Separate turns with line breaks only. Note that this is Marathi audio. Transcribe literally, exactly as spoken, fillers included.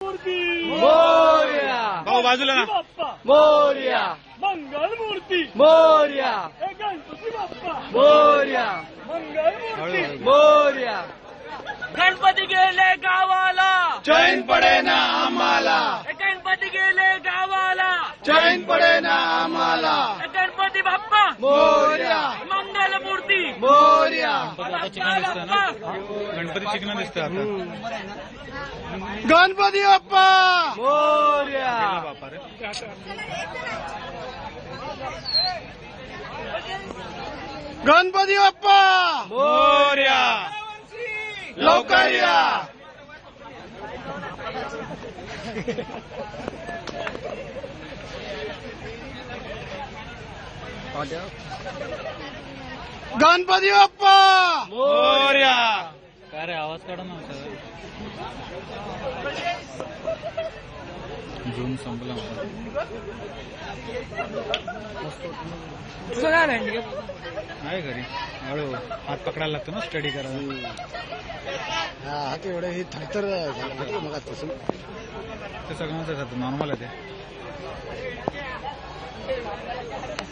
मोरया
भाऊ बाजूला ना.
मोरया
मंगल मूर्ती
मोरया
गणपती बाप्पा
मोरया
मंगल मूर्ती
मोरया.
गणपती गेले गावाला
चैन पडे ना आम्हाला
गणपती गेले गावाला
चैन पडे ना आम्हाला
गणपती बाप्पा
मोरया
मंगल मूर्ती
मोरया.
गणपती चिकन दिसतोय आता.
गणपती बाप्पा मोरया.
बापा रे.
गणपती बाप्पा
मोरया.
लवकर या. गणपती बाप्पा
मोरया. काय रे आवाज काढा ना. जून संपला. आहे घरी हळू हात पकडायला लागतो ना स्टडी करायला.
हात एवढं हे थरथर झालं मग तसं.
ते सगळ्यांचं नॉर्मल आहे ते.